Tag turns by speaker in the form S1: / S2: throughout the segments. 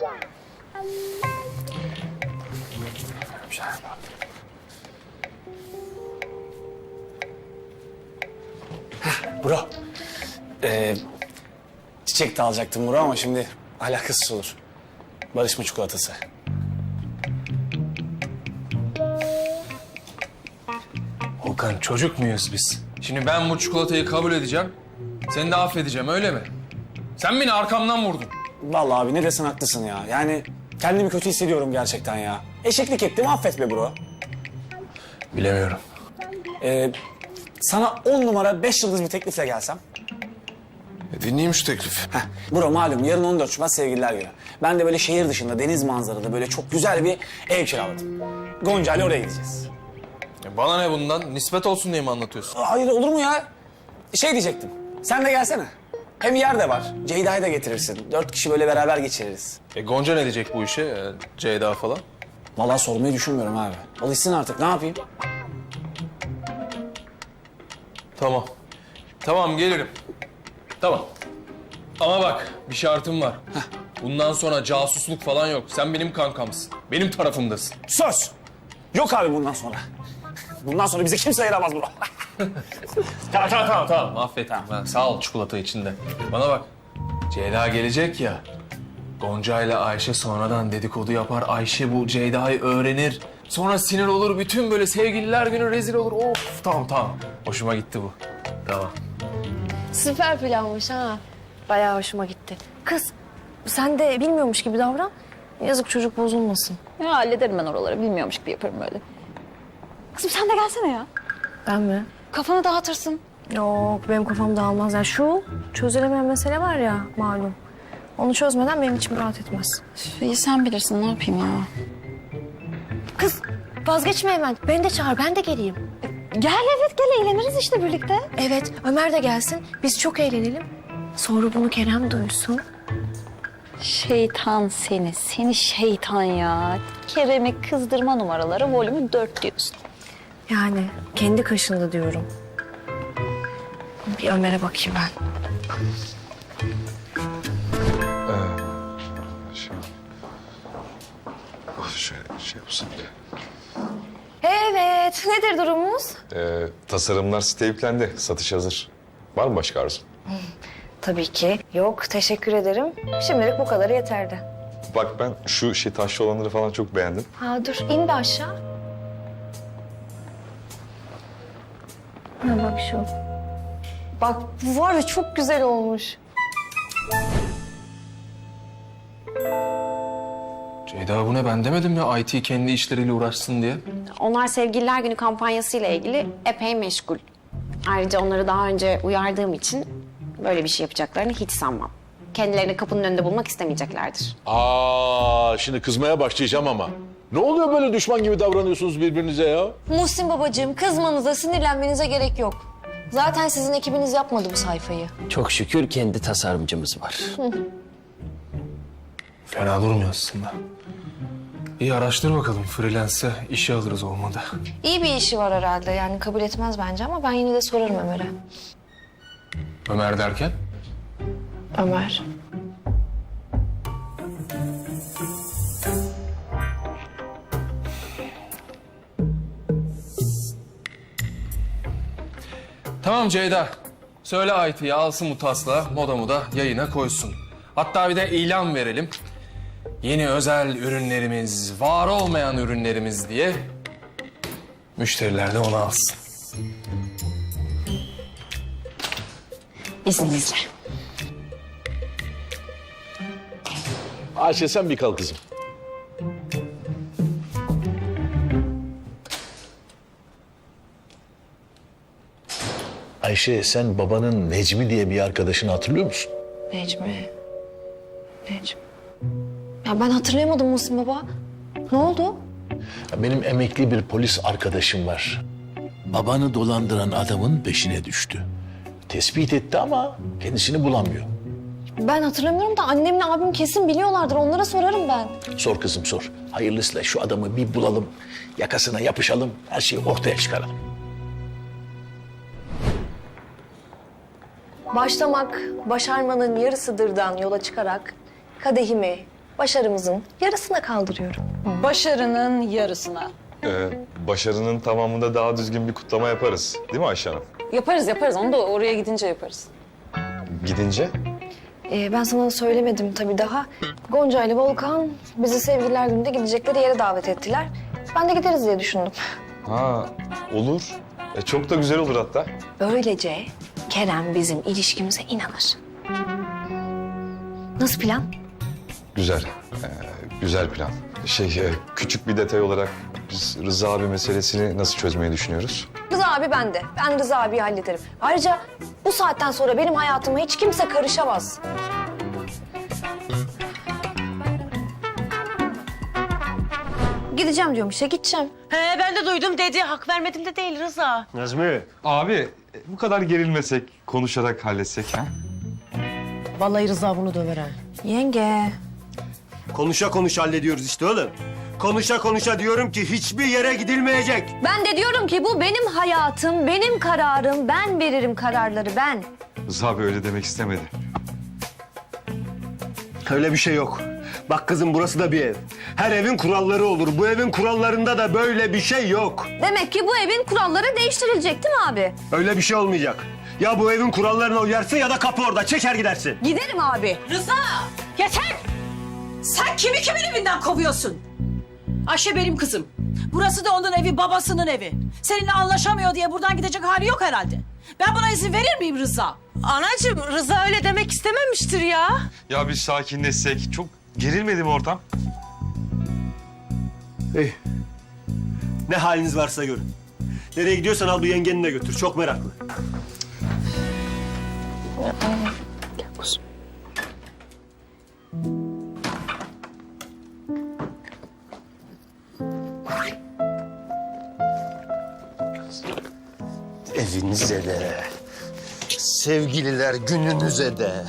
S1: Bro. Çiçek de alacaktım bro ama şimdi alakasız olur. Barışma çikolatası.
S2: Volkan, çocuk muyuz biz? Şimdi ben bu çikolatayı kabul edeceğim. Seni de affedeceğim, öyle mi? Sen beni arkamdan vurdun.
S1: Vallahi abi ne desen haklısın ya. Yani kendimi kötü hissediyorum gerçekten ya. Eşeklik ettim, affet be bro.
S2: Bilemiyorum.
S1: Sana 10 numara 5 yıldız bir teklifle gelsem.
S2: Dinleyeyim şu teklifi.
S1: Heh, bro malum yarın 14 Şubat Sevgililer Günü. Ben de böyle şehir dışında deniz manzaralı böyle çok güzel bir ev kiraladım. Gonca ile oraya gideceğiz.
S2: Bana ne bundan? Nispet olsun diye mi anlatıyorsun?
S1: Hayır olur mu ya? Şey diyecektim. Sen de gelsene. Hem yer de var. Ceyda'yı da getirirsin. 4 kişi böyle beraber geçiririz.
S2: Gonca ne diyecek bu işe? Ceyda falan.
S1: Vallahi sormayı düşünmüyorum abi. Alışsın artık, ne yapayım?
S2: Tamam. Tamam, gelirim. Tamam. Ama bak, bir şartım var. Bundan sonra casusluk falan yok. Sen benim kankamsın. Benim tarafımdasın.
S1: Söz. Yok abi bundan sonra. Bundan sonra bizi kimse ayıramaz bro.
S2: Tamam. Affettim. Ha, sağ ol çikolata içinde. Bana bak. Ceyda gelecek ya. Gonca ile Ayşe sonradan dedikodu yapar. Ayşe bu Ceyda'yı öğrenir. Sonra sinir olur. Bütün böyle sevgililer günü rezil olur. Of, tamam. Hoşuma gitti bu. Tamam.
S3: Süper planmış ha. Bayağı hoşuma gitti. Kız, sen de bilmiyormuş gibi davran. Yazık çocuk bozulmasın.
S4: Ya hallederim ben oraları. Bilmiyormuş gibi yaparım öyle. Kızım sen de gelsene ya.
S3: Ben mi?
S4: Kafanı dağıtırsın.
S3: Yok, benim kafam dağılmaz. Yani şu çözülemeyen mesele var ya malum. Onu çözmeden benim içim rahat etmez.
S4: İyi sen bilirsin ne yapayım ya.
S3: Kız, vazgeçme hemen. Beni de çağır, ben de geleyim.
S4: Gel evet gel eğleniriz işte birlikte.
S3: Evet, Ömer de gelsin. Biz çok eğlenelim. Sonra bunu Kerem duysun.
S4: Şeytan seni şeytan ya. Kerem'i kızdırma numaraları volümü 4 diyorsun.
S3: Yani kendi kaşında diyorum. Bir Ömer'e bakayım ben.
S5: Şey yapsın.
S3: Evet, nedir durumumuz?
S5: Tasarımlar site yüklendi. Satış hazır. Var mı başka arzun?
S3: Tabii ki. Yok, teşekkür ederim. Şimdilik bu kadarı yeterdi.
S5: Bak ben şu taşlı olanları falan çok beğendim.
S3: Ha dur, in bir aşağı. Ha bak şu. Bak bu var ya çok güzel olmuş.
S2: Ceyda bu ne? Ben demedim ya IT kendi işleriyle uğraşsın diye.
S6: Onlar Sevgililer Günü kampanyasıyla ilgili epey meşgul. Ayrıca onları daha önce uyardığım için böyle bir şey yapacaklarını hiç sanmam. Kendilerini kapının önünde bulmak istemeyeceklerdir.
S7: Şimdi kızmaya başlayacağım ama. Ne oluyor böyle düşman gibi davranıyorsunuz birbirinize ya?
S3: Muhsin babacığım kızmanıza, sinirlenmenize gerek yok. Zaten sizin ekibiniz yapmadı bu sayfayı.
S8: Çok şükür kendi tasarımcımız var.
S2: Fena durmuyor aslında. İyi araştır bakalım. Freelance'e işe alırız olmadı.
S3: İyi bir işi var herhalde yani kabul etmez bence ama ben yine de sorarım Ömer'e.
S2: Ömer derken?
S3: Ömer.
S2: Tamam Ceyda. Söyle IT'ye alsın bu taslağı, modamı da yayına koysun. Hatta bir de ilan verelim. Yeni özel ürünlerimiz, var olmayan ürünlerimiz diye müşteriler de onu alsın.
S6: İzninizle.
S7: Ayşe sen bir kal kızım. Ayşe sen babanın Necmi diye bir arkadaşını hatırlıyor musun?
S3: Necmi. Ya ben hatırlayamadım Muhsin baba. Ne oldu?
S7: Benim emekli bir polis arkadaşım var. Babanı dolandıran adamın peşine düştü. Tespit etti ama kendisini bulamıyor.
S3: Ben hatırlamıyorum da annemle abim kesin biliyorlardır. Onlara sorarım ben.
S7: Sor kızım sor. Hayırlısıyla şu adamı bir bulalım, yakasına yapışalım, her şeyi ortaya çıkaralım.
S3: Başlamak başarmanın yarısıdırdan yola çıkarak kadehimi başarımızın yarısına kaldırıyorum.
S4: Başarının yarısına.
S5: Başarının tamamında daha düzgün bir kutlama yaparız. Değil mi Ayşe Hanım?
S4: Yaparız. Onu da oraya gidince yaparız.
S5: Gidince?
S3: Ben sana söylemedim tabii daha. Gonca ile Volkan bizi Sevgililer Günü'nde gidecekleri yere davet ettiler. Ben de gideriz diye düşündüm.
S5: Ha, olur. Çok da güzel olur hatta.
S3: Böylece Kerem bizim ilişkimize inanır. Nasıl plan?
S5: Güzel. Güzel plan. Küçük bir detay olarak biz Rıza abi meselesini nasıl çözmeyi düşünüyoruz?
S3: Rıza abi bende. Ben Rıza abiyi hallederim. Ayrıca bu saatten sonra benim hayatıma hiç kimse karışamaz. Gideceğim diyorum işte, gideceğim.
S9: He ben de duydum dedi. Hak vermedim de değil Rıza.
S7: Nazmi.
S5: Abi bu kadar gerilmesek, konuşarak halletsek ha?
S9: Vallahi Rıza bunu döver ha.
S3: Yenge.
S10: Konuşa konuşa hallediyoruz işte oğlum. Konuşa konuşa diyorum ki hiçbir yere gidilmeyecek.
S3: Ben de diyorum ki bu benim hayatım, benim kararım. Ben veririm kararları, ben.
S5: Rıza abi öyle demek istemedi.
S10: Öyle bir şey yok. Bak kızım burası da bir ev. Her evin kuralları olur. Bu evin kurallarında da böyle bir şey yok.
S3: Demek ki bu evin kuralları değiştirilecek değil mi abi?
S10: Öyle bir şey olmayacak. Ya bu evin kurallarına uyarsın ya da kapı orada. Çeker gidersin.
S3: Giderim abi.
S9: Rıza yeter. Sen kimi kimin evinden kovuyorsun? Ayşe benim kızım. Burası da onun evi, babasının evi. Seninle anlaşamıyor diye buradan gidecek hali yok herhalde. Ben buna izin verir miyim Rıza? Anacığım Rıza öyle demek istememiştir ya.
S5: Ya biz sakinleşsek, çok gerilmedi mi ortam?
S10: İyi. Ne haliniz varsa görün. Nereye gidiyorsan al bu yengeni de götür. Çok meraklı. Evinize de, sevgililer gününüze de.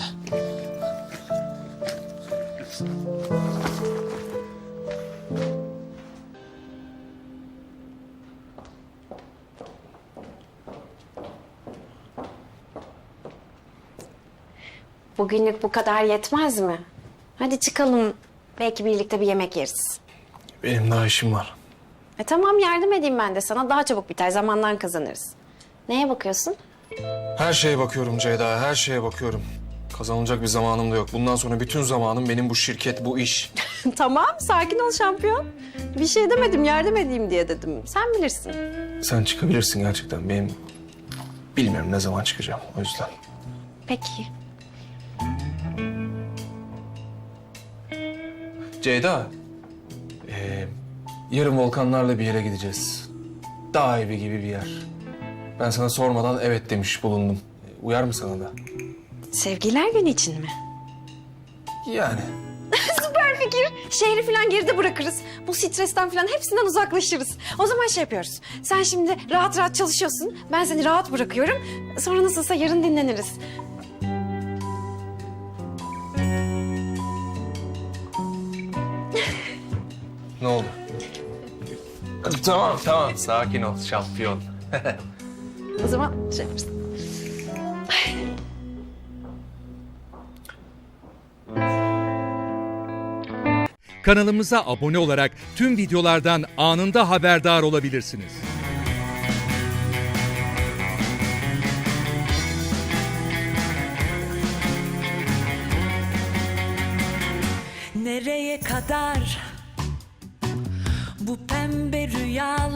S6: Bugünlük bu kadar yetmez mi? Hadi çıkalım. Belki birlikte bir yemek yeriz.
S2: Benim daha işim var.
S6: Tamam yardım edeyim ben de sana. Daha çabuk biter. Zamandan kazanırız. Neye bakıyorsun?
S2: Her şeye bakıyorum Ceyda, her şeye bakıyorum. Kazanılacak bir zamanım da yok. Bundan sonra bütün zamanım benim bu şirket, bu iş.
S6: Tamam sakin ol şampiyon. Bir şey demedim yardım edeyim diye dedim. Sen bilirsin.
S2: Sen çıkabilirsin gerçekten. Benim bilmiyorum ne zaman çıkacağım o yüzden.
S6: Peki.
S2: Ceyda, yarın Volkanlarla bir yere gideceğiz. Dağ evi gibi bir yer. Ben sana sormadan evet demiş bulundum. Uyar mı sana da?
S6: Sevgililer günü için mi?
S2: Yani.
S6: Süper fikir. Şehri falan geride bırakırız. Bu stresten falan hepsinden uzaklaşırız. O zaman şey yapıyoruz. Sen şimdi rahat rahat çalışıyorsun. Ben seni rahat bırakıyorum. Sonra nasılsa yarın dinleniriz.
S2: Ne oldu? Tamam. Sakin ol şampiyon.
S6: O zaman şey yaparız.
S11: Kanalımıza abone olarak tüm videolardan anında haberdar olabilirsiniz.
S9: Nereye kadar bu pembe rüyalar?